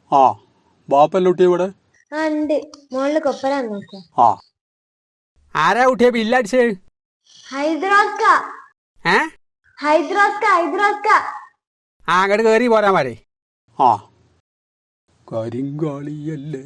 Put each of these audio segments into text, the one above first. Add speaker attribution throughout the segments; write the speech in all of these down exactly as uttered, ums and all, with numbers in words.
Speaker 1: ആ ബാപ്പല്ല കുട്ടിയെ ഇവിടെ
Speaker 2: ആ ഉണ്ട് മോളില് കൊപ്പരാൻ നോക്കുക.
Speaker 1: ആ ആരാ കുട്ടിയെ ബില്ലടിച്ച്?
Speaker 2: ഹൈദ്രാസ്ക
Speaker 1: ഏ
Speaker 2: ഹൈദ്രാസ്ക ഹൈദ്രാസ്ക
Speaker 1: ആ അങ്ങോട്ട് കയറി പോരാ മാരേ. ആ കരിങ്കാളിയല്ലേ.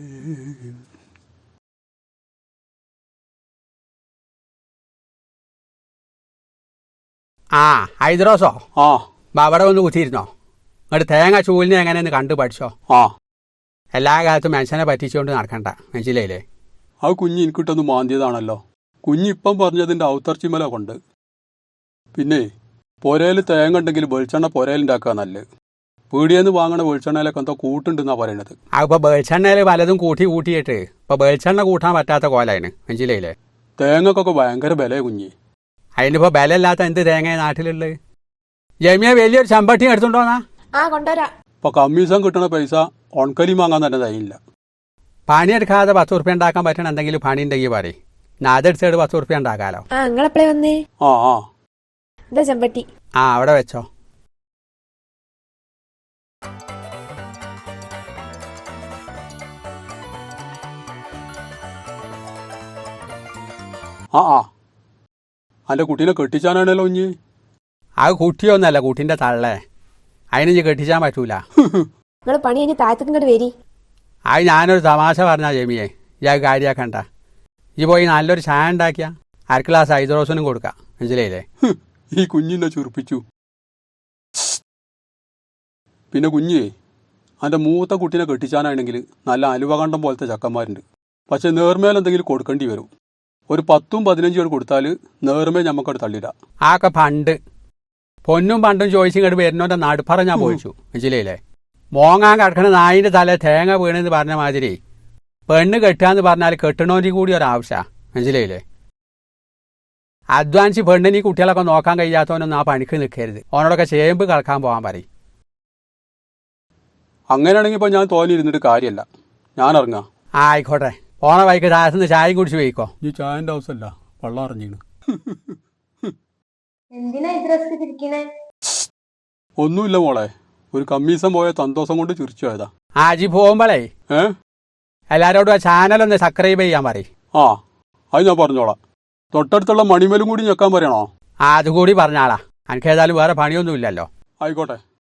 Speaker 1: ആ ഹൈദ്രോസോ? ആ അവിടെ ഒന്ന് കുത്തിയിരുന്നോ? അങ്ങോട്ട് തേങ്ങ ചൂലിനെ എങ്ങനെയെന്ന് കണ്ടു പഠിച്ചോ? ആ എല്ലാ കാലത്തും മനുഷ്യനെ പറ്റിച്ചുകൊണ്ട് നടക്കണ്ട, മനസ്സിലായില്ലേ? ആ കുഞ്ഞ് എനിക്കിട്ടൊന്ന് മാന്തിയതാണല്ലോ. കുഞ്ഞിപ്പം പറഞ്ഞതിൻ്റെ ഔത്തർച്ചിമല കൊണ്ട്. പിന്നെ പുരയിൽ തേങ്ങ ഉണ്ടെങ്കിൽ വെളിച്ചെണ്ണ പുരയിലുണ്ടാക്കുക നല്ലത്. പീടിയെന്ന് വാങ്ങണ വെളിച്ചെണ്ണയിലൊക്കെ എന്തോ കൂട്ടുണ്ടെന്നാ പറയണത്. ആ ഇപ്പൊ വെളിച്ചെണ്ണയിൽ പലതും കൂട്ടി കൂട്ടിയിട്ട് ഇപ്പൊ വെളിച്ചെണ്ണ കൂട്ടാൻ പറ്റാത്ത കോലാണ്, മനസ്സിലായില്ലേ? തേങ്ങക്കൊക്കെ ഭയങ്കര ബലേ കുഞ്ഞി. അതിനിപ്പോ ബലമില്ലാത്ത എന്ത് തേങ്ങ നാട്ടിലുള്ളത്? ജമിയ വലിയൊരു ചമ്പട്ടി എടുത്തുണ്ടോന്നാ?
Speaker 2: ആ കൊണ്ടുവരാ.
Speaker 1: ഇപ്പൊ കമ്മീഷൻ കിട്ടണ പൈസ ഉണക്കലി വാങ്ങാൻ തന്നെ തയ്യില്ല. പണിയെടുക്കാതെ പത്ത് ഉറുപ്പ്യ ഉണ്ടാക്കാൻ പറ്റണ എന്തെങ്കിലും പണി ഉണ്ടെങ്കിൽ പറയും, ഞാൻ അതെടുത്തിട്ട് പത്ത് ഉറുപ്പ്യ ഉണ്ടാക്കാലോ.
Speaker 2: ആ നിങ്ങളെപ്പോഴേ വന്നേ?
Speaker 1: ആ ആ
Speaker 2: ഇതാ ചെമ്പട്ടി.
Speaker 1: ആ അവിടെ വെച്ചോ. ആ ആ അന്റെ കുട്ടീനെ കെട്ടിച്ചാനാണല്ലോ ഇഞ്ഞ്. അത് കുട്ടിയൊന്നല്ല, കുട്ടീൻ്റെ തള്ളേ. അതിന് കെട്ടിച്ചാൻ പറ്റൂല.
Speaker 2: നിങ്ങൾ പണി കഴിഞ്ഞ് താഴത്തേക്ക് ഇങ്ങോട്ട് വരി.
Speaker 1: അത് ഞാനൊരു തമാശ പറഞ്ഞാ ജമിയെ, ഇയാൾ കാര്യാക്കണ്ട. ഈ പോയി നല്ലൊരു ചായ ഉണ്ടാക്കിയ അര ഗ്ലാസ് ഹൈദ്രോസിനും കൊടുക്കാം, മനസ്സിലായില്ലേ? ഈ കുഞ്ഞിനെ ചുരുപ്പിച്ചു. പിന്നെ കുഞ്ഞേ, അതിൻ്റെ മൂത്ത കുട്ടീനെ കെട്ടിച്ചാനാണെങ്കിൽ നല്ല അലുവകണ്ടം പോലത്തെ ചക്കന്മാരുണ്ട്. പക്ഷെ നേർമേലെന്തെങ്കിലും കൊടുക്കേണ്ടി വരും. ഒരു പത്തും പതിനഞ്ചും കൂടെ കൊടുത്താൽ നേർമേ ഞമ്മക്കവിടെ തള്ളിടാം. ആക്കെ പണ്ട് പൊന്നും പണ്ടും ചോദിച്ചിങ്ങോട്ട് വരുന്നോൻ്റെ നടുപ്പറ ഞാൻ പോയിച്ചു, മനസ്സിലായില്ലേ? മോങ്ങാൻ കിടക്കണ നായിൻ്റെ തല തേങ്ങ വീണെന്ന് പറഞ്ഞ മാതിരി പെണ്ണ് കെട്ടുകയെന്ന് പറഞ്ഞാൽ കെട്ടണോൻ്റെ കൂടി ഒരാവശ്യമാണ്, മനസ്സിലായില്ലേ? അധ്വാനിച്ച് പെണ്ണിന് ഈ കുട്ടികളൊക്കെ നോക്കാൻ കഴിയാത്തവനൊന്നും ആ പണിക്ക് നിൽക്കരുത്. ഓനോടൊക്കെ ചേമ്പ് കളക്കാൻ പോകാൻ പറയും. അങ്ങനെയാണെങ്കിൽ ഇപ്പോൾ ഞാൻ തോന്നിയിരുന്നിട്ട് കാര്യമല്ല, ഞാൻ ഇറങ്ങാം. ആ ആയിക്കോട്ടെ, പോണ വൈക്ക് താഴത്തുനിന്ന് ചായയും കുടിച്ച് പോയിക്കോ. ഈ ചായൻ്റെ ആവശ്യമല്ല, വെള്ളം അറിഞ്ഞീണ്.
Speaker 2: എന്തിനാ ഹൈദ്രാസ്ക ചിരിക്കണേ?
Speaker 1: ഒന്നുമില്ല മോളെ, ഒരു കമ്മീസം പോയ സന്തോഷം കൊണ്ട് ചിരിച്ചു പോയതാ. ആ അജി പോകുമ്പോളേ ഏ എല്ലാരോടും ആ ചാനലൊന്ന് സബ്സ്ക്രൈബ് ചെയ്യാൻ പറയും. ആ അത് ഞാൻ പറഞ്ഞോളാം. തൊട്ടടുത്തുള്ള മണിമേലും കൂടി ഞെക്കാൻ പറയണോ? ആ അതുകൂടി പറഞ്ഞാളാ. എനിക്ക് ഏതായാലും വേറെ പണിയൊന്നും ഇല്ലല്ലോ. ആയിക്കോട്ടെ.